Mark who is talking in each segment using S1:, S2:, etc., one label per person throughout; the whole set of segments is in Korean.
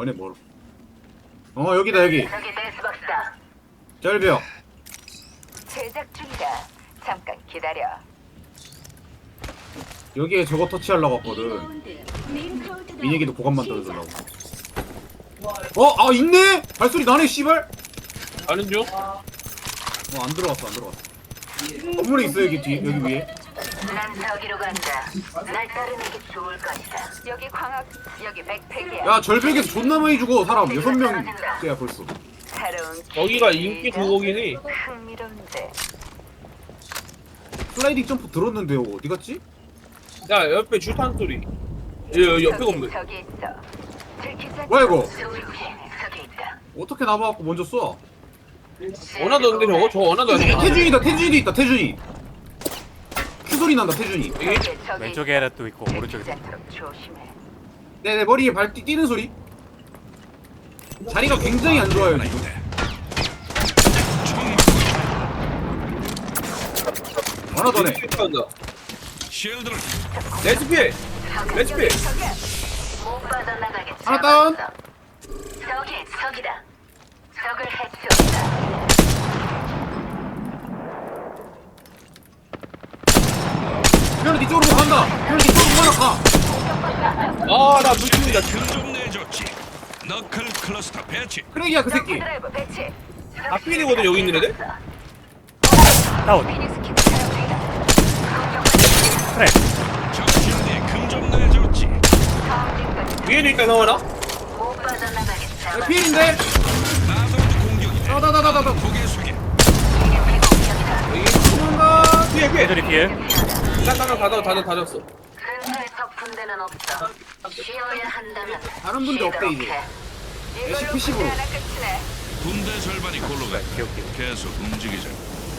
S1: 안에 뭐? 여기다 여기.
S2: 저기 데스박스다.
S1: 절벽.
S2: 제작 중이다. 잠깐 기다려.
S1: 여기에 저거 터치하려고 했거든. 민혁이도 보관 만들어주려고. 아 있네? 발소리 나네 씨발.
S3: 아는 중?
S1: 안 들어갔어 안 들어갔어. 건물에 있어 여기 뒤 여기 위에.
S2: 난 저기로 간다. 날 따르는 게 좋을 것이다. 여기 광학, 여기 백팩이야.
S1: 야 절벽에서 존나 많이 죽어 사람 6명째야 벌써.
S2: 새로운
S3: 여기가
S2: 기회다.
S3: 인기 그거긴 해.
S2: 흥미로운데.
S1: 슬라이딩 점프 들었는데 어디 갔지?
S3: 야 옆에 줄탄 소리. 옆에 건물.
S2: 저기 있어. 들키지
S1: 뭐야, 이거?
S2: 저기 있다.
S1: 어떻게 나와갖고 먼저 쏴?
S3: 원하도 없는데 저거? 저거 원하도 안 돼.
S1: 태준이다 태준이 있다 태준이. 큐 소리 난다 태준이.
S4: 왼쪽에 또 있고 오른쪽에
S2: 조심해.
S1: 내 머리에 발 뛰는 소리. 자리가 굉장히 안 좋아요 지금. 하나 더네.
S3: 쉴드를. 레스피. 레스피.
S2: 못 빠져나가게.
S1: 하나 다운.
S2: 적이다. 적을 해치웠다.
S1: 그냥 네 쪽으로 간다. 그냥 네 쪽으로 가.
S3: 아나 물집니다.
S5: 좀 내줬지. 너클 클러스터 배치.
S1: 크랙이야 그 새끼.
S2: 드라이버 배치.
S3: 앞필이거든 여기 있는 애들.
S4: 다운.
S2: 피닉스 킥 사용 중이다.
S4: 그래.
S5: 정신대 금좀 내줬지.
S3: 위에도 있다 나와나?
S2: 못 빠져나가게. 잡아.
S1: 피인데.
S5: 나도 공격이네.
S1: 나나나나나.
S5: 고개 숙여.
S3: 여기
S1: 도망가.
S3: 피해 피해.
S4: 애들이 피해.
S3: 다 졌어.
S2: 근처에 덮은 데는 없어. 쉬어야 한다면.
S1: 다른 분들 없대, 이제. SPC 로.
S5: 군대 절반이 골로 가.
S4: 오케이.
S5: 계속 움직이자.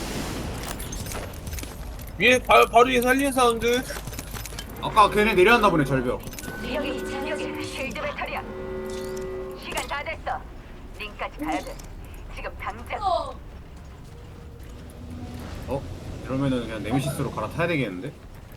S3: 위에 바로 위에 살리는 사운드.
S1: 아까 걔네 내려왔나 보네 절벽.
S2: 여기 쉴드 배터리야. 시간 다 됐어. 링까지 가야 돼. 지금 당장.
S1: 이러면은 그냥 네메시스로 갈아타야 되겠는데?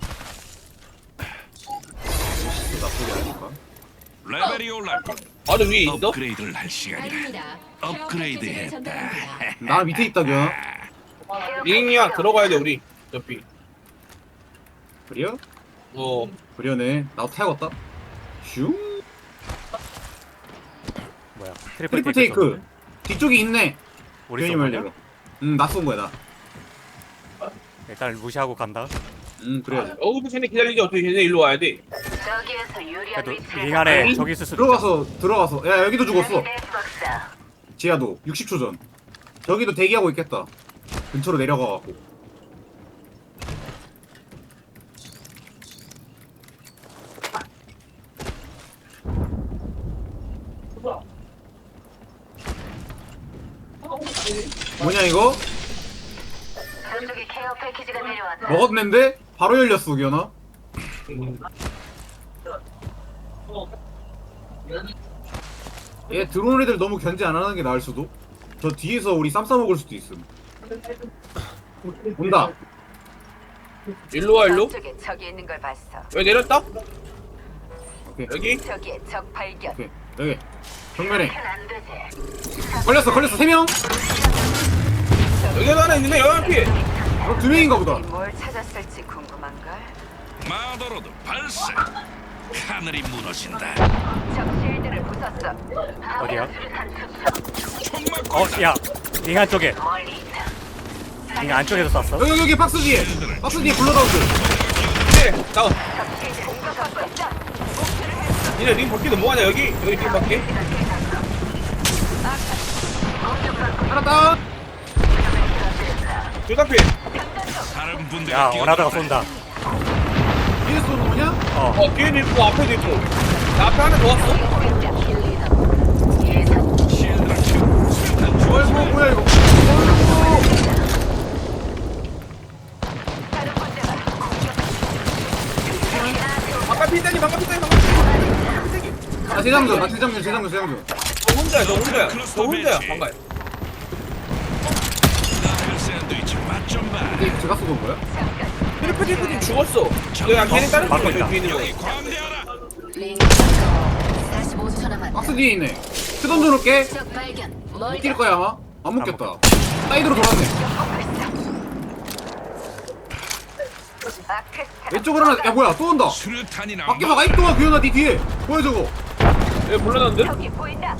S1: 네메시스 나쁘지 않을까?
S5: 레벨이 올랐고
S3: 바로 위에 있어?
S5: 업그레이드를 할 시간이다. 업그레이드 했다.
S1: 나 밑에 있다 겨.
S3: 링이야 들어가야 돼 우리. 옆이.
S1: 그래요? 그려네. 나도 타야겠다. 슝.
S4: 뭐야?
S1: 트리플 테이크. 뒤쪽에 있네.
S4: 우리
S1: 괜히
S4: 쏜 거냐?
S1: 말대로. 나 쏜 거야 나.
S4: 일단 무시하고 간다.
S1: 그래야지.
S3: 쟤네 기다리지 어떻게 쟤네 일로 와야 돼.
S2: 저기에서 유리한
S4: 그래도
S2: 위치에
S4: 링 안에 저기 있을 수도 있어.
S1: 들어가서. 야 여기도 죽었어.
S2: 데스박스다.
S1: 지하도 60초 전. 저기도 대기하고 있겠다. 근처로 내려가갖고. 뭐냐 이거?
S2: 저쪽에 케어 패키지가 내려왔다.
S1: 먹었는데 바로 열렸어 기현아. 얘 들어온 애들 너무 견제 안 하는 게 나을 수도. 저 뒤에서 우리 쌈 싸먹을 수도 있음. 온다.
S3: 일로 와 일로.
S2: 저쪽에 적이 있는 걸 봤어.
S3: 왜 내렸다?
S1: 오케이.
S3: 여기?
S2: 저기에 적 발견.
S1: 오케이. 여기. 정면에.
S2: 안 되지.
S1: 걸렸어 3명?
S3: 여기도 하나 있는데 여기 피해.
S1: 2명인가 보다.
S2: 뭘 찾았을지 궁금한걸.
S5: 마더로드 발사. 하늘이 무너진다.
S2: 적 실드를 부쉈어.
S4: 어디야?
S5: 총 맞고
S4: 야. 링 안쪽에.
S2: 멀리 있다.
S4: 링 안쪽에서 쐈어.
S1: 여기 박스 뒤에. 박스 뒤에 블러다운드.
S3: 네 나와.
S2: 적 실드 공격하고 있다.
S3: 니네 링 밖에도 뭐하냐 여기 링 밖에.
S1: 하나 다운.
S3: 둘다 피해.
S5: 다른 분들이
S4: 야 원하다가 쏜다.
S1: 뒤에 쏘는 거냐?
S3: 뒤에도 있고 앞에도 있고. 나 앞에 하나 더 왔어.
S5: 실드를 켜. 수류탄 주워.
S1: 뭐야 이거.
S3: 바깥 피다니 바깥 피다니.
S1: 아 재장전.
S3: 너 혼자야. 너 혼자야 방가야.
S5: 너클 샌드위치 맛 좀 봐.
S1: 이게 제가 쏘던 거야?
S3: 트리플 죽었어. 너야 걔네 다른
S4: 막고
S3: 팀이야
S4: 있다.
S3: 저기 있는 거.
S5: 여기 광대하라.
S2: 45초 남았다.
S1: 박스 뒤에 있네. 큐 던져놓을게.
S2: 적 발견.
S1: 못 뛸 거야 아마. 안 먹겠다. 사이드로 돌았네. 왼쪽으로 하나. 야 뭐야 또 온다.
S5: 수류탄이
S1: 밖에
S5: 나온다.
S1: 막아 있동아 규현아 네 뒤에. 뭐야 저거.
S3: 얘 몰라놨는데?
S2: 여기 보인다.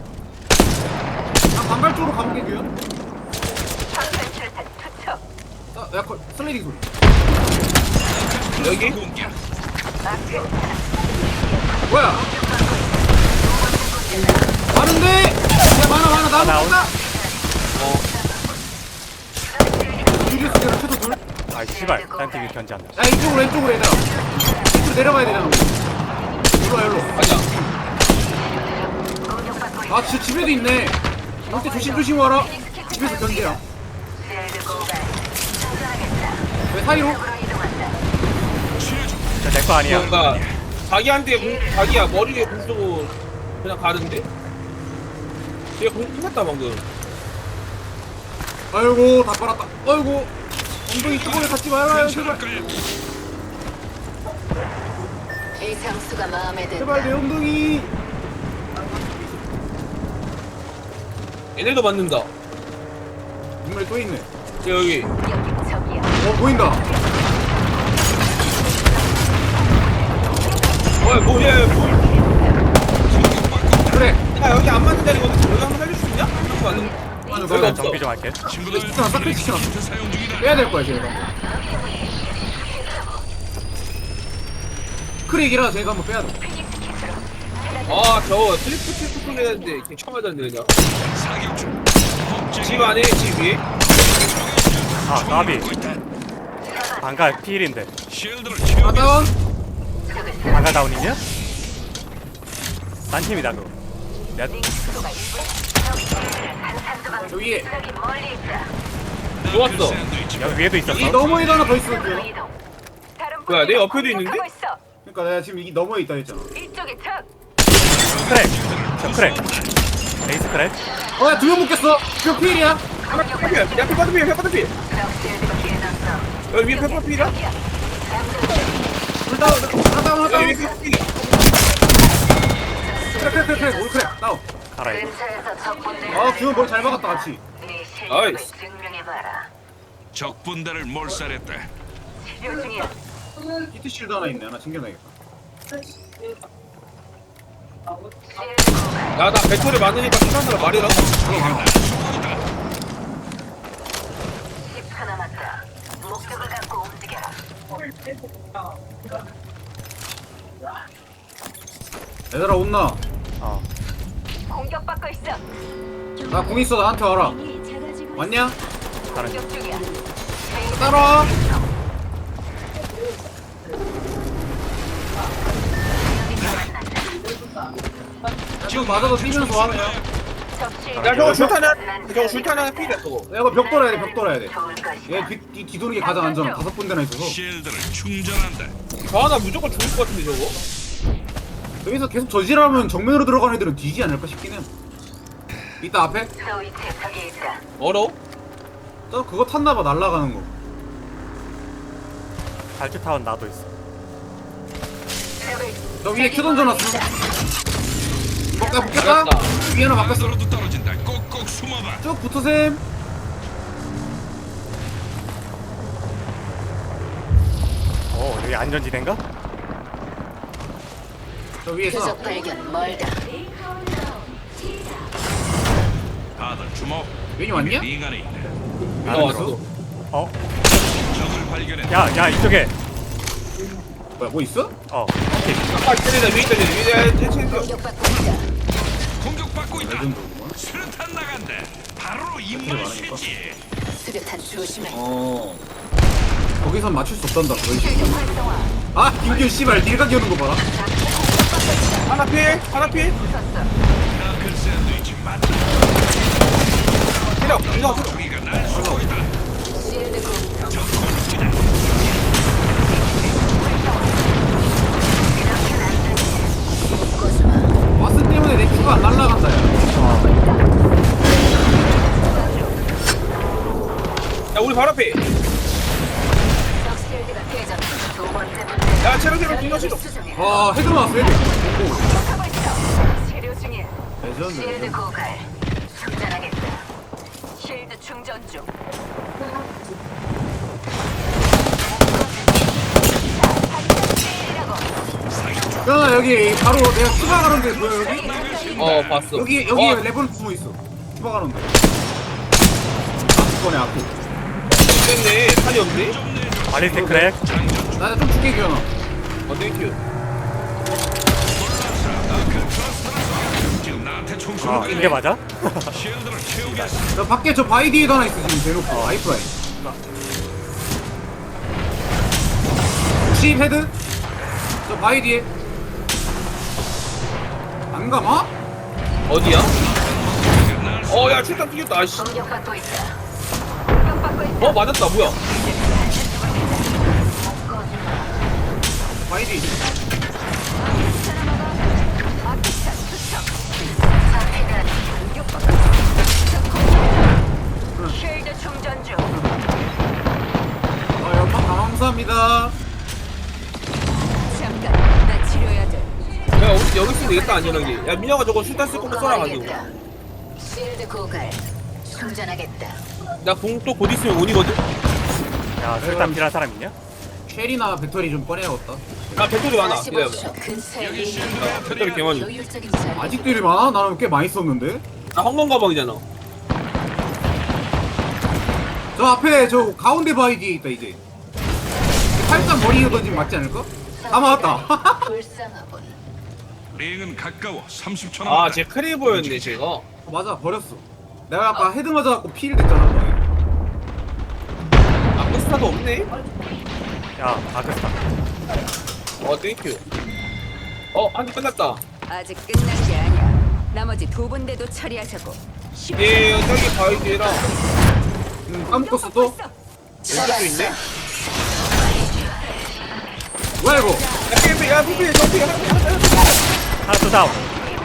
S1: 나 반갈 쪽으로 가볼게 규현.
S2: 방탄 출탄 투척.
S1: 나 약간 슬라이딩 소리.
S3: 여기?
S5: 공격.
S1: 뭐야? 많은데? 야 많아 나
S4: 나온.
S1: 먹는다. 유리스 계란 최소 둘.
S4: 아 씨발 딴 팀이 견제한다.
S1: 야 이쪽으로 얘들아. 이쪽으로 내려가야 되잖아. 일로.
S3: 아니야.
S1: 아 진짜 집에도 있네. 이때 조심 와라. 집에서 견제야. 왜 사이로?
S4: 내 거 아니야.
S3: 뭔가 자기야 머리에 공 쏘고 그냥 가는데? 얘공 끝났다 방금.
S1: 아이고 다 빨았다. 아이고 엉덩이 뚜껑에 닿지 말아요 제발.
S2: 이 장수가 마음에 든다.
S1: 제발 내 엉덩이.
S3: 얘네도 맞는다.
S1: 정말 또 있네.
S3: 여기.
S2: 여기 적이야.
S1: 보인다.
S3: 뭐야
S1: 그래.
S3: 야 여기 안 맞는 자리거든. 여기 한번 살릴 수 있냐? 한번 맞는.
S1: 맞아
S3: 여기
S1: 맞아.
S3: 없어.
S4: 정비 좀 할게.
S5: 친구들
S1: 시켜놨어, 싹 시켜놨어.
S5: 히트 사용 중이다.
S1: 빼야 될 거야 쟤가. 크릭이라 쟤가 한번 빼야 돼.
S3: 아 저거 트리플 했는데 이렇게 처음 맞았는데 그냥.
S5: 사격 중.
S3: 집 안에 집 위에.
S4: 아 나비.
S5: 먹고 있다.
S4: 방가 필인데.
S5: 쉴드를
S1: 아
S5: 채우고
S1: 다운.
S4: 방가 다운이냐? 딴 팀이다 그거. 내가
S1: 저 위에.
S3: 좋았어.
S5: 샌드위치.
S4: 여기 위에도 있었어.
S1: 이 너머에도 하나 더 있어. 규현아.
S3: 뭐야, 내 옆에도 있는데?
S1: 그러니까 내가 지금 이 너머에 있다 했잖아.
S2: 이쪽에 적.
S4: 크랙. 저 크랙. 에이스 크랙.
S1: 어야 두 명 묶였어. 몇 필이야?
S3: 하나 페퍼필. 야 페퍼필. 여기 위에 페퍼필이야?
S1: 둘 다운.
S3: 야 여기 페퍼필이야.
S1: 크랙. 올 크랙. 다운.
S4: 가라 이거.
S2: 근처에서 적군들.
S1: 아 규현 머리 잘 박았다 같이.
S2: 네 실력을
S3: 나이스.
S2: 증명해봐라.
S5: 적 분대를 몰살했다.
S2: 치료 중이야.
S1: 히트 실드 하나 있네. 하나 챙겨놔야겠다.
S3: 야나 배터리 많으니까 필요한 사람 말해라.
S2: 10초 남았다. 목적을 갖고 움직여라.
S1: 얘들아 온나.
S4: 어.
S2: 공격받고 있어.
S1: 나 공 있어 나한테 와라. 왔냐?
S4: 다른 팀.
S2: 공격 중이야.
S1: 따라와. 지금 맞아도 뛰면서 와 그냥.
S3: 야 저거 줄탄 하나 필이야 저거.
S1: 야 이거 벽 돌아야 돼. 벽 돌아야 돼.
S2: 좋을 것이야.
S1: 얘 뒤도는 게 가장 안전해. 5군데나 있어서.
S5: 쉴드를 충전한다.
S3: 저 하나 무조건 죽을 것 같은데 저거.
S1: 여기서 계속 저지르면 정면으로 들어가는 애들은 뒤지 않을까 싶긴 해. 이따 앞에?
S2: 소위 대적이 있다.
S3: 멀어?
S1: 저 그거 탔나봐 날아가는 거.
S4: 발주 타운 나도 있어.
S1: 저 위에 큐 던져놨어. 야 붙겠다?
S3: 맞다.
S1: 위에 하나 바꿨어.
S5: 떨어도 떨어진다. 꼭꼭 숨어봐.
S1: 쭉 붙어셈.
S4: 오 여기 안전지대인가?
S1: 저 위에 서
S2: 표적 발견 멀다.
S5: 다들 주목.
S1: 웬이 왔냐?
S5: 링 안에 있다.
S3: 나 왔어.
S4: 어?
S5: 적을 발견해.
S4: 야 이쪽에.
S1: 뭐야 뭐 있어?
S4: 어.
S3: 아까 때리다 위에 때리다 위에
S2: 공격받고 있다.
S5: 공격받고 있다.
S1: 레전드구만.
S5: 수류탄 나간다. 바로 입만
S1: 많으니까.
S5: 쉬지.
S2: 수류탄 조심해.
S1: 어. 거기선 맞출 수 없단다. 그런 식으로.
S2: 실력 활성화.
S1: 아 김규 씨발 딜각 여는 거 봐라.
S3: 하나 필.
S5: 너클 샌드위치 맞다.
S3: 때려. 이거
S5: 우리가 날 쏘고 있다.
S2: 실드 공.
S5: 적 공격이다.
S1: 와스 때문에 내 큐가 안 날라간다 야.
S3: 야 우리 바로 앞에.
S2: 적 실드가 깨졌다. 두 번째 문제.
S3: 야 체력 공격 실어.
S2: 수정해.
S1: 아 헤드 나왔어 헤드.
S2: 하고 있어. 치료 중이야.
S1: 레전드
S2: 실드
S1: 레전드.
S2: 고갈. 충전하겠다. 실드 충전 중.
S1: 야 여기 바로 내가 추가 가는 데 보여 여기?
S3: 봤어.
S1: 여기
S3: 와,
S1: 레버는 숨어 있어. 추가 가는 데. 앞번에 앞에.
S3: 됐네. 탄이 없네.
S4: 발리스틱 크랙.
S1: 나좀 죽게 기어나.
S3: 땡큐.
S5: 지금 나한테 총
S4: 아
S5: 쏘는
S4: 이게 맞아?
S5: 쉴드를 채우겠어.
S1: 저 밖에 저 바위 뒤에도 하나 있어 지금 대놓고 아이프라인. 60 헤드? 저 바위 뒤에. 안 감아?
S3: 어디야? 야, 출탄 튀겼다. 아씨.
S2: 공격받고 있다. 공격받고 있다.
S3: 맞았다. 뭐야?
S1: 바위 뒤.
S2: 아기차 투척. 상태가 공격받고 있다. 실드 충전 중.
S1: 연막 감사합니다.
S2: 잠깐, 나 치료해야 돼.
S3: 야, 우리 여기 있으면 되겠다, 안전하게. 야, 민혁아 저거 출탄 쓸 거면 쏘라 가지고.
S2: 실드 고갈. 충전하겠다.
S3: 나 공 또 곧 있으면 온이거든?
S4: 야 술탄 필요한 사람 있냐?
S1: 쉘이나 배터리 좀 꺼내야겠다.
S3: 나 배터리 많아. 기다려봐.
S2: 45초 근처에
S5: 여기 실드
S3: 배터리 개 많이.
S2: 효율적인 자리.
S1: 아직도 이리 많아? 나는 꽤 많이 썼는데.
S3: 나 황금 가방이잖아.
S1: 저 앞에 저 가운데 바위 뒤에 있다 이제. 살짝 머리에 던지면 맞지 않을까? 아 맞았다.
S2: 불쌍하군.
S5: 링은 가까워. 30초 남았다.
S3: 제 크레이버였네, 제가.
S1: 맞아 버렸어. 내가 아까 헤드 맞아갖고 필 됐잖아.
S3: 아크스타도 없네?
S4: 야 아크스타.
S3: 땡큐. 한 개 끝났다.
S2: 아직 끝난 게 아니야. 나머지 두 군데도 처리하자고.
S3: 저기 바위 뒤에랑
S1: 까먹었어 또?
S3: 왼쪽도 있네?
S1: 뭐야 이거?
S3: 야, 피피, 저기
S4: 하나 또 다운.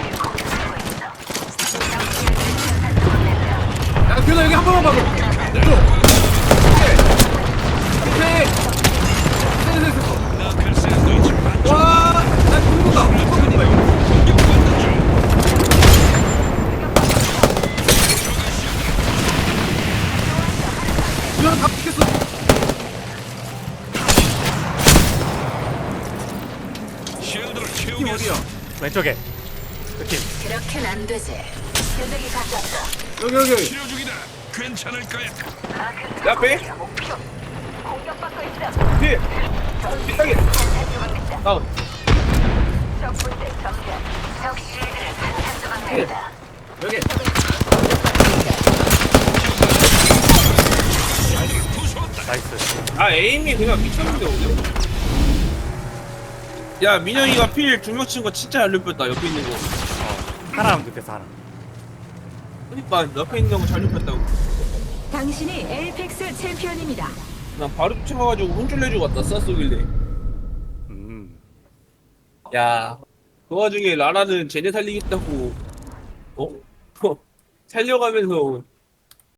S1: 야 규현아 여기 한 번만 봐줘. 왼쪽. 오케이. 됐어.
S5: 너클 샌드위치 반쪽.
S1: 와, 나 죽는다. 죽는다 이거.
S5: 공격받는 중.
S1: 규현아 다 죽겠어.
S5: 쉴드를
S1: 팀
S5: 채우겠어.
S1: 어디야?
S4: 왼쪽에. 그팀.
S2: 그렇게는 안 되지. 연락이 가깝다.
S1: 여기.
S5: 치료 중이다. 괜찮을 거야.
S3: 야, 빼.
S2: 목표. 공격받고 있어.
S3: 피. 삐딱이.
S2: 조각했다.
S3: 다운.
S2: 적 군대 정면. 적 실드를 반탄조각했다.
S1: 여기.
S4: 나이스.
S3: 에임이 그냥 미쳤는데, 오늘? 야, 민영이가 필 중력 친 거 진짜 잘 눕혔다, 옆에 있는 거.
S4: 하나만 눕혔어 하나.
S3: 그니까, 옆에 있는 거 잘 눕혔다고.
S2: 당신이 에이펙스 챔피언입니다.
S3: 난 바로 쫓아가가지고 혼쭐 내주고 갔다, 쐈쏘길래. 야, 그 와중에 라라는 쟤네 살리겠다고, 살려가면서